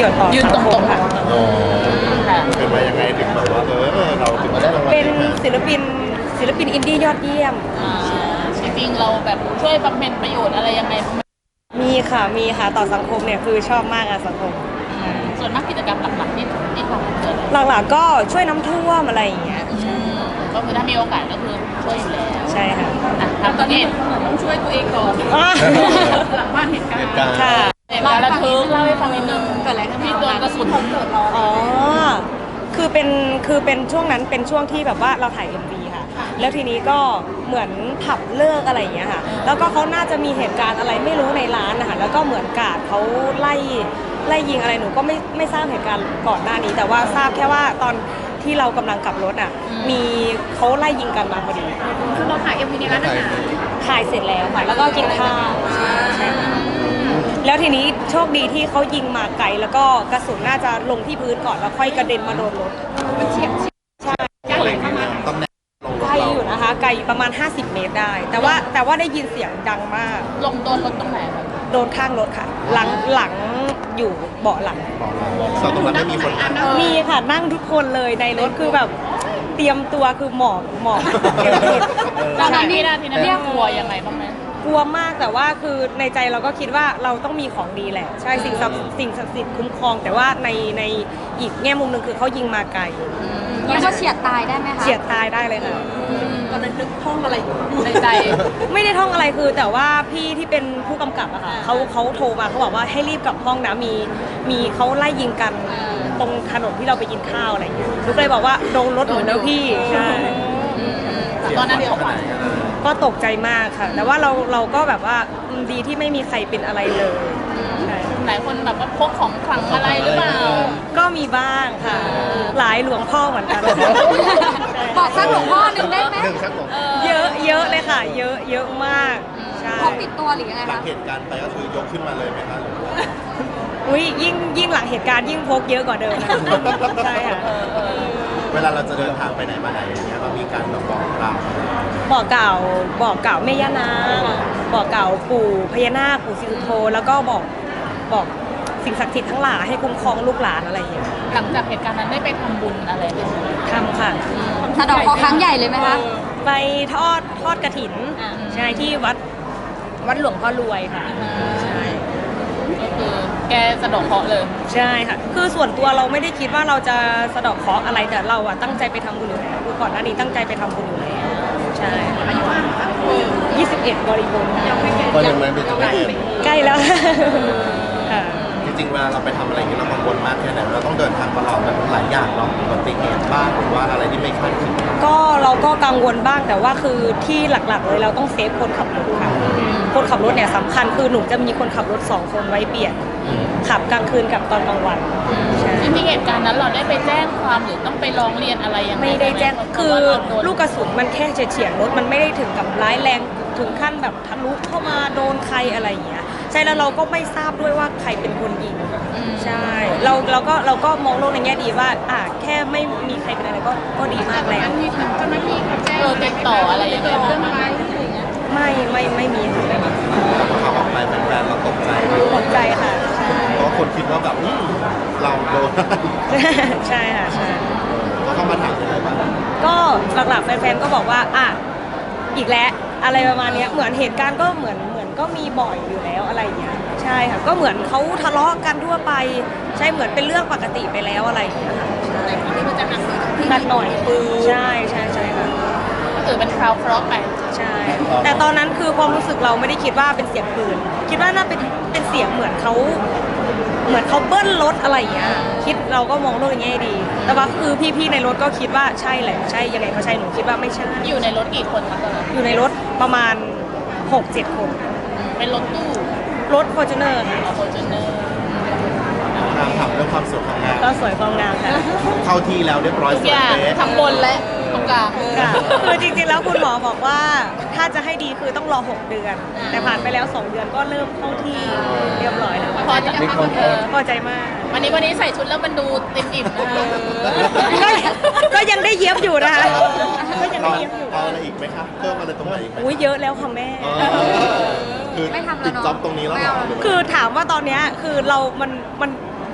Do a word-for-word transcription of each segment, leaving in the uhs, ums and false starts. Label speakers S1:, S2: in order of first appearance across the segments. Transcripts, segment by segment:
S1: ชน์ต่อสังคมค่ะ
S2: อ๋อเป็นมายังไงถึงแบบว่าเออเราถึงมาได้รางวัล
S1: เป็น
S2: นี้
S1: ศิลปินศิลปินอินดี้ยอดเยี่ยม
S3: อ่าจริงๆเราแบบช่วยบำเพ็ญประโยชน์อะไรยังไงบ้างไหม
S1: มีค่ะมีค่ะต่อสังคมเนี่ยคือชอบมากอะสังคม
S3: ส่วนมากกิจกรรมหลักๆที่ที่ทำคืออะไร
S1: หลักๆก็ช่วยน้ำท่วมอะไรอย่างเงี้ย
S3: อืมก็คือถ้ามีโอกาสก็คือช่วยอยู่แล้ว
S1: ใช่ค่ะ
S3: อ่ะทำตอนนี้ต้องช่วยตัวเองก่อน
S1: อ่า
S3: หลังบ้านเหตุการ
S2: เห
S3: ณ์
S2: ตุการณ์
S1: ค่ะ
S3: เหตุการณ์ระทึกเล่าให้ฟังนิดนึงเกิดอะไรขึ้นที่โดนกระสุนเกิดร้อน
S1: อ๋อ คือเป็น คือเป็นช่วงนั้นเป็นช่วงที่แบบว่าเราถ่าย เอ็ม วี ค่ะ แล้วทีนี้ก็เหมือนผับเลิกอะไรอย่างเงี้ยค่ะ แล้วก็เขาน่าจะมีเหตุการณ์อะไรไม่รู้ในร้านนะคะ แล้วก็เหมือนกาดเขาไล่ไล่ยิงอะไรหนูก็ไม่ไม่ทราบเหตุการณ์ก่อนหน้านี้ แต่ว่าทราบแค่ว่าตอนที่เรากำลังกลับรถอ่ะ มีเขาไล่ยิงกันมาพอดี
S3: คือเราถ่ายเอ็มวีในร้านอาหาร
S1: ถ่ายเสร็จแล้วค่ะ แล้วก็กินข้าวใช่ค่ะแล้วทีนี้โชคดีที่เขายิงมาไกลแล้วก็กระสุนน่าจะลงที่พื้นก่อนแล้วค่อยกระเด็นมาโดนรถมันเฉียบใช่
S2: อะไรอย่างเงี้ยตำแหน่งลงร
S1: ไก
S2: ถ
S1: ล
S2: เรา
S1: อยู่นะคะไกลอยู่ประมาณ ห้าสิบ เมตรได้ แต่ว่าแต่ว่าได้ยินเสียงดังมาก
S3: ลงโดนรถตรงไหนคะ
S1: โดนข้างรถค่ะ หลังหลังอยู่เบาะหลัง
S2: บอกเราส่วนตรงนั้นไม่มีคนนั่ง
S1: มีค่ะนั่งทุกคนเลยในรถคือแบบเตรียมตัวคือหมอบหมอบเตรียมตัว
S3: ตอนนั้นนี่นาทีนั้นเรียกกลัวยังไงบ้างไหม
S1: กลัวมากแต่ว่าคือในใจเราก็คิดว่าเราต้องมีของดีแหละ ใช่สิ่งศักดิ์สิ่งศักดิ์สิทธิ์คุ้มครอง แต่ว่าในในอีกแง่มุมหนึ่งคือเขายิงมาไกล
S4: เรียกว่าเฉียดตายได้ไหมคะ
S1: เฉียดตายได้เลยค่ะ
S3: ตอนนั้นนึกท่องอะไรอยู่ในใจ
S1: ไม่ได้ท่องอะไรคือแต่ว่าพี่ที่เป็นผู้กำกับอะค่ะเขาเขาโทรมาเขาบอกว่าให้รีบกลับห้องนะมีมีเขาไล่ยิงกันตรงถนนที่เราไปกินข้าวอะไรอย่างเงี้ยลูกเลยบอกว่าโดนรถหนูแล้วพี่ใช่
S3: ตอนนั้นเขาขวัญ
S1: ก็ตกใจมากค่ะ แต่ว่าเราเราก็แบบว่าอืมดีที่ไม่มีใครเป็นอะไรเลยใช่
S3: หลายคนแบบว่าพกของขลังอะไรหรือเปล่า
S1: ก็มีบ้างค่ะ หลายหลวงพ่อเหมือนกัน
S4: บอกสักหลวงพ่อหนึ่งได้ไหม
S2: หนึ่งสักหนึ่ง
S1: เยอะเยอะเลยค่ะ เยอะเยอะมากใช่
S4: พกติดตัวหรือยังไง
S2: หลัง
S4: คะ
S2: เหตุการณ์ไปก็คือยกขึ้นมาเลยไหมคะหรือว่า
S1: อุ้ยยิ่งยิ่งหลังเหตุการณ์ยิ่งพกเยอะกว่าเดิมนะคะใช่ค่ะ
S2: เวลาเราจะเดินทางไปไหนมาไหนอย่างเงี้ยเรามีการแบบบอกกล่าว
S1: บอกเกล่าวบอกเกล่าวแม่ย่านางบอกเกล่าวปู่พญานาคปู่ศรีสุโธแล้วก็บอกบอกสิ่งศักดิ์สิทธิ์ทั้งหลายให้คุ้มครองลูกหลานอะไรอย่างเงี้ย
S3: หลังจากเหตุการณ์นั้นได้ไปทำบุญอะไรไหม
S1: ทำค่ะ
S4: สะเดอกเคราะห์ครั้งใหญ่เลยไหมคะ
S1: ไปทอดทอดกระถินใช่ที่วัดวัดหลวงพ่อรวยค่ะใช่
S3: ก็คือแกสะดอกเคราะห์เลย
S1: ใช่ค่ะ คือส่วนตัวเราไม่ได้คิดว่าเราจะสะเดอกเคราะห์อะไรแต่เราอะตั้งใจไปทำบุญอยู่แล้วคือก่อนหน้านี้ตั้งใจไปทำบุญอยู่แล้วใช่ยี่สิบเอ็ดบริบูรณ์ค่ะ
S2: ก็ยังไม่เป็นตัวเอง
S1: ใกล้แล้วค่ะ
S2: จริงๆเวลาเราไปทำอะไรอย่างเงี้ยเรากังวลมากแค่ไหนเราต้องเดินทางตลอดแบบหลายอย่างเนาะอุบัติเหตุบ้างหรือว่าอะไรที่ไม่คาดคิด
S1: ก็เราก็กังวลบ้างแต่ว่าคือที่หลักๆเลยเราต้องเซฟคนขับรถค่ะคนขับรถเนี่ยสำคัญคือหนูจะมีคนขับรถสองคนไว้เปลี่ยนขับกลางคืนกับตอนกลางวันใช่
S3: จริงๆเหตุการณ์นั้นเราได้ไปแจ้งความหรือต้องไปร้องเรียนอะไรยังไง
S1: ไม่ได้แจ้ง
S3: ห
S1: คือ
S3: เพราะว่าเราโดน
S1: ลูกกระสุนมันแค่เฉียดๆรถมันไม่ได้ถึงกับร้ายแรงถึงขั้นแบบทะลุเข้ามาโดนใครอะไรอย่างเงี้ยใช่แล้วเราก็ไม่ทราบด้วยว่าใครเป็นคนยิงใช่เราเราก็เราก็มองโลกในแง่ดีว่าอ่ะแค่ไม่มีใครเป็นอะไรก็ก็ดีมากแล้ว
S3: เจ้าหน้าที่เขาแจ้งเออติดต่ออะไรยังไงบ้างไหม
S1: ไม่ไม่ไม่มีค่ะไม่มี
S2: แต่พอเขาออกไปแฟนๆเราตกใจไหม
S1: ตกใจค่ะใช่
S2: เพราะคนคิดว่าแบบอืมเราโดน
S1: ใช่ค่ะใช่
S2: ก็เข้ามาถามยังไงบ้าง
S1: ก็หลักๆแฟนๆก็บอกว่าอ่ะอีกแล้วอะไรประมาณเนี้ยเหมือนเหตุการณ์ก็เหมือนเหมือนก็มีบ่อยอยู่แล้วอะไรอย่างเงี้ยใช่ค่ะก็เหมือนเขาทะเลาะกันทั่วไปใช่เหมือนเป็นเรื่องปกติไปแล้วอะไรอย่างเงี้ยค่ะใช่
S3: แต่ครั้งนี้มันจะหนักหน่อยตรงที่
S1: หนักหน่อยใช่ใช่ใช่ค่ะ
S3: ก็ถือเป็นคราวเคราะห์ไป
S1: ใช่ แต่ตอนนั้นคือความรู้สึกเราไม่ได้คิดว่าเป็นเสียงปืนคิดว่าน่าเป็นเป็นเสียงเหมือนเขาเหมือนเขาเบิ้ลรถอะไรอย่างเงี้ยคิดเราก็มองโลกในแง่ดี แต่ว่าคือพี่ๆในรถก็คิดว่าใช่แหละใช่ยังไงก็ใช่หนูคิดว่าไม่ใช่
S3: อยู่ในรถกี่คนคะตอนนั้น
S1: อยู่ในรถประมาณ หกเจ็ด คน
S3: เป็นรถตู้
S1: รถ Fortuner ค่ะ
S3: ออโฟจูเนอร์
S2: ถามถามเรื่องความสวยความงาม
S1: ก็สวยความงามค่ะ
S2: เข้าที่แล้วเรียบร้อย
S3: ทุก
S2: สว
S3: อยย่าง
S2: เป๊ะ
S3: ทั้งบนและตรงกลาง
S1: ค่ะคือจริงๆแล้วคุณหมอบอกว่าถ้าจะให้ดีคือต้องรอ หก เดือน แต่ผ่านไปแล้ว สอง เดือนก็เริ่มเข้าที่เรียบร้อยแล้ว
S3: พอจะเออ
S1: พอใจมาก
S3: วันนี้วันนี้ใส่ชุดแล้วมันดูติ่มอิ่มนะคะ
S1: ก็ก็ยังได้เย็บอยู่นะคะก็ยัง
S2: เอา
S1: ได้เย็บอยู่
S2: เอาอะไรอีกไหมคะเพิ่มอะไรตรงไหนอีกไหม
S1: อุ้ยเยอะแล้วค่ะแม่
S2: เออคือ
S4: ไม่ทำแล้ว
S2: ปิด
S4: เนอะ
S2: จ็อบตรงนี้แล้วเหรอหรืว่า
S1: คือถามว่าตอนเนี้ยคือเรา มัน มัน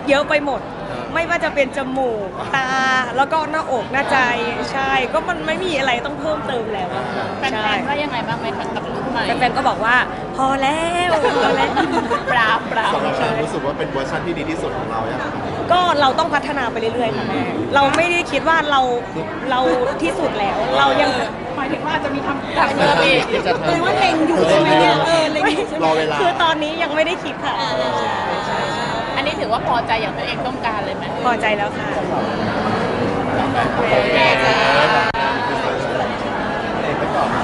S1: เยอะไปหมด ไม่ว่าจะเป็นจมูกตาแล้วก็หน้าอกหน้าใจใช่ก็มันไม่มีอะไรต้องเพิ่มเติมแล้วอะ
S3: แฟ
S1: ใช่
S3: นๆว่ายังไงบ้างไหมคะกับลุคใหม่
S1: แฟนๆก็บอกว่าพอแล้วพอแล้ว
S3: ปราบปราบ
S2: สำหรับเรารู้สึกว่าเป็นเวอร์ชันที่ดีที่สุดของเราอย่างไร
S1: ก็เราต้องพัฒนาไปเรื่อยๆค่ะแม่เราไม่ได้คิดว่าเราเราที่สุดแล้ว เรายัง
S3: หมายถึงว่าจะมีทำจากเดิมอีก
S2: จะ
S1: แปลว่าเล็งอยู่ใช่ไหมเนี่ยเออเล็งอยู่ใช่ไหม
S2: รอเวลา
S1: คือตอนนี้ยังไม่ได้คิดค่ะ
S3: อันนี้ถือว่าพอใจอย่างตัวเองต้องการเลยไหม
S1: พอใจแล้วค่ะ
S2: โอเค